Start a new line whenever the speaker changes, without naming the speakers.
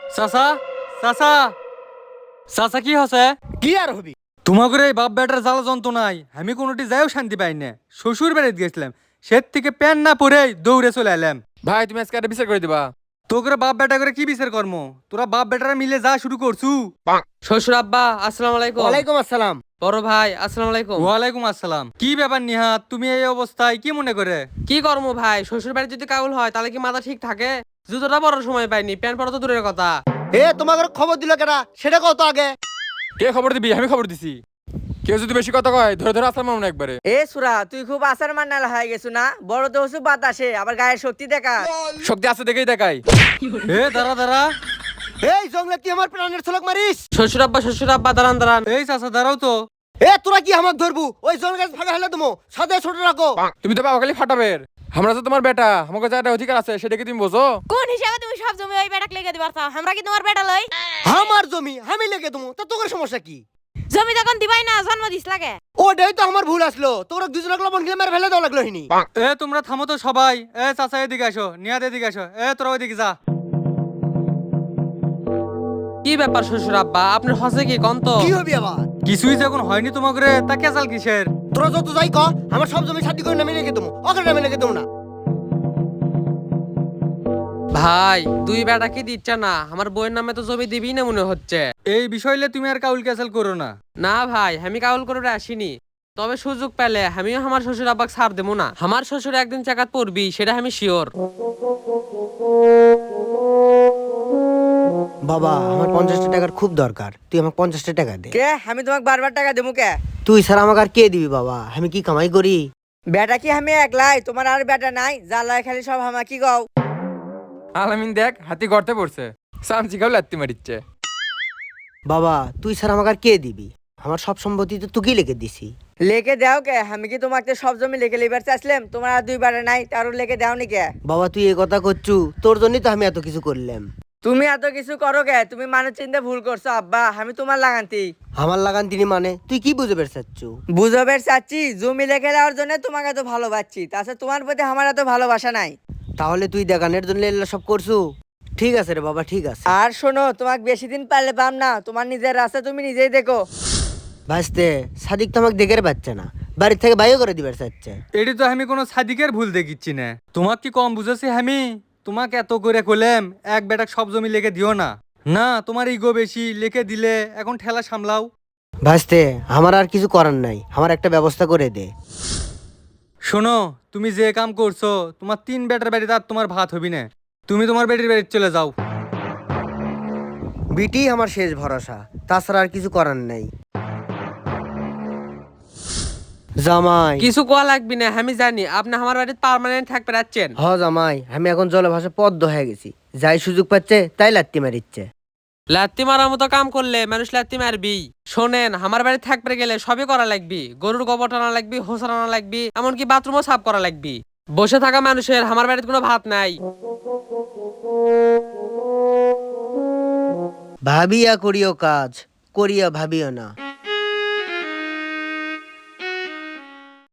চাচা, চাচা, চাচা কি হচ্ছে?
কি আর হবি?
তোমাকে এই বাপ বেটার জ্বালা যন্ত্রণাই আমি কোনোটি যাইও শান্তি পাই না। শ্বশুর বাড়িতে গেছিলাম, সে থেকে প্যান না পরেই দৌড়ে চলে এলাম।
ভাই তুমি আজকে একটা বিচার করে দিবা।
তোকে বাপ বেটা করে কি বিচার কর্ম? তোরা বাপ বেটারা মিলে যা শুরু করছু।
শ্বশুর আব্বা আসসালামু আলাইকুম।
ওয়ালাইকুম আসসালাম।
বড় ভাই আসসালামু আলাইকুম।
ওয়ালাইকুম আসসালাম। কি ব্যাপার নিহাত, তুমি এই অবস্থায় কি মনে করে?
কি করবো ভাই, শ্বশুর বাড়ি যদি কাউল হয় তাহলে কি মাথা ঠিক থাকে? জুতোটা পরার সময় পাইনি, প্যান্ট পরা তো দূরের কথা।
তোমাকে খবর দিল কেনা সেটা কত আগে?
কে খবর দিবি? আমি খবর দিছি। কেউ যদি বেশি কথা কয় ধরে ধরে আসলাম আমরা একবারে।
সুরা তুই খুব আসার মান্নাল হয়ে গেছু না? বড় তো হচ্ছে বাতাসে, আবার গায়ের শক্তি দেখা।
শক্তি আছে দেখেই দেখাই।
দাঁড়া দাঁড়া।
এই জঙ্গলে তুই আমার প্রাণের ছলক মারিস?
শ্বশুর আব্বা দাঁড়ান দাঁড়ান।
এই চাচা দাঁড়াও তো।
তোরা কি আমাকে ধরবু? ওই জঙ্গল গাছ ফাঁকা হলে তুমি সাথে ছোট রাখো।
তুমি তো বাবা খালি ফাটাবে। আমরা তো তোমার বেটা, আমাকে যা একটা অধিকার আছে সেটা কি তুমি বোঝো?
কোন হিসাবে তুমি সব জমি ওই বেটাকে লেগে দিবার চাও? আমরা কি তোমার বেটা লই?
আমার জমি আমি লেগে দেবো, তা তোর সমস্যা কি?
জমি তখন দিবাই না, জন্ম দিস লাগে।
ওটাই তো আমার ভুল আসলো, তোরা দুজনকে লবণ খেলে মেরে ফেলে দেওয়া লাগলো হিনি।
তোমরা থামো তো সবাই। চাচা এদিকে আসো, নিহাত এদিকে আসো। তোরা ওইদিকে যা।
কি ব্যাপার শ্বশুর আব্বা, আপনার হসে কি কন্ত?
কি হবি আবার?
কিছুই যখন হয়নি তোমাকে তা কেচাল কিসের?
তোরা যত যাই ক, আমার সব জমি শাদি করে নামে লেগে দেবো, ওকে নামে লেগে দেবো না।
ভাই দুই বেটা কি দিচ্ছে না? আমার বইয়ের নামে তো জমি দিবি না মনে হচ্ছে।
এই বিষয়লে তুমি আর কাউল ক্যাচাল করো না।
না ভাই, আমি কাউল করে আসিনি। তবে সুযোগ পেলে আমিও আমার শ্বশুর আব্বাকে ছাড় দেবো না। আমার শ্বশুর একদিন চাকাত পড়বি, সেটা আমি শিওর।
বাবা আমার 50টা টাকার খুব দরকার, তুই আমাকে 50টা টাকা দে।
কে আমি তোমাকে বারবার টাকা দেবো কে?
তুই স্যার আমাকে আর কে দিবি বাবা? আমি কি কামাই করি?
বেটা কি আমি একলাই? তোমার আর বেটা নাই? জ্বালায় খালি সব হামা কি গাও।
আলামিন দেখ হাতি গর্তে পড়ছে, সামচি খাও লাত্তি মারিচ্ছে।
বাবা তুই স্যার আমাকে আর কে দিবি? আমার সব সম্পত্তি তো তোকেই লিখে দিছি।
লেকে দাও কে? আমি কি তোমাকে সব জমি লেকে লিবার চাইছিলাম? তোমার আর দুই বেটা নাই, তারও লেকে দাও নি কে?
বাবা তুই এ কথা করছু, তোর জন্যই তো আমি এত কিছু করলাম।
তুমি এত কিছু করো কে? তুমি মানুষ চিন্তা ভুল করছো আব্বা, আমি তোমার লাগান্তি।
আমার লাগান তিনি মানে তুই কি বুঝে বেরছাচ্ছু?
বুঝবের চাচ্ছি জমি লেখে দেওয়ার জন্য তোমাকে এত ভালোবাসছি, তাছাড়া তোমার প্রতি আমার এত ভালোবাসা নাই।
তাহলে তুই দেখানের জন্য এগুলো সব করছু? ঠিক আছে রে বাবা ঠিক আছে।
আর শোনো, তোমাকে বেশি দিন পারলে পাম না, তোমার নিজের রাস্তা তুমি নিজেই দেখো।
ভাসতে সাদিক তো আমাকে দেখে পাচ্ছে না, বাড়ির থেকে বাইরে করে দিবার চাচ্ছে।
এটি তো আমি কোনো সাদিকের ভুল দেখিচ্ছি না। তোমাকে কি কম বুঝেছি আমি? তোমাকে এত করে কইলাম এক বেটাক সব জমি লেগে দিও না। না তোমার ইগো বেশি, লেখে দিলে এখন ঠেলা সামলাও।
ভাসতে আমার আর কিছু করার নাই, আমার একটা ব্যবস্থা করে দে।
শোনো, তুমি যে কাম করছো তোমার 3 বেটার বাড়িতে আর তোমার ভাত হবি না। তুমি তোমার বেটির বাড়িতে চলে যাও।
বিটি আমার শেষ ভরসা, তাছাড়া আর কিছু করার নাই। জামাই
কিছু কোয়া লাগবি না, আমি জানি আপনি আমার বাড়িতে পার্মানেন্ট থাকতে পারছেন।
হ জামাই, আমি এখন জলভাষা পদ্ম হয়ে গেছি, যাই সুযোগ পাচ্ছে তাই লাত্তি মারিচ্ছে।
লাত্তি মারার মতো কাম করলে মানুষ লাত্তি মারবি। শোনেন, আমার বাড়ি থাকতে গেলে সবই করা লাগবি। গরুর গোবর টানা লাগবি, হোসা টানা লাগবি, এমনকি বাথরুমও সাফ করা লাগবি। বসে থাকা মানুষের আমার বাড়িতে কোনো ভাত নাই।
ভাবিয়া করিও কাজ, করিয়া ভাবিও না।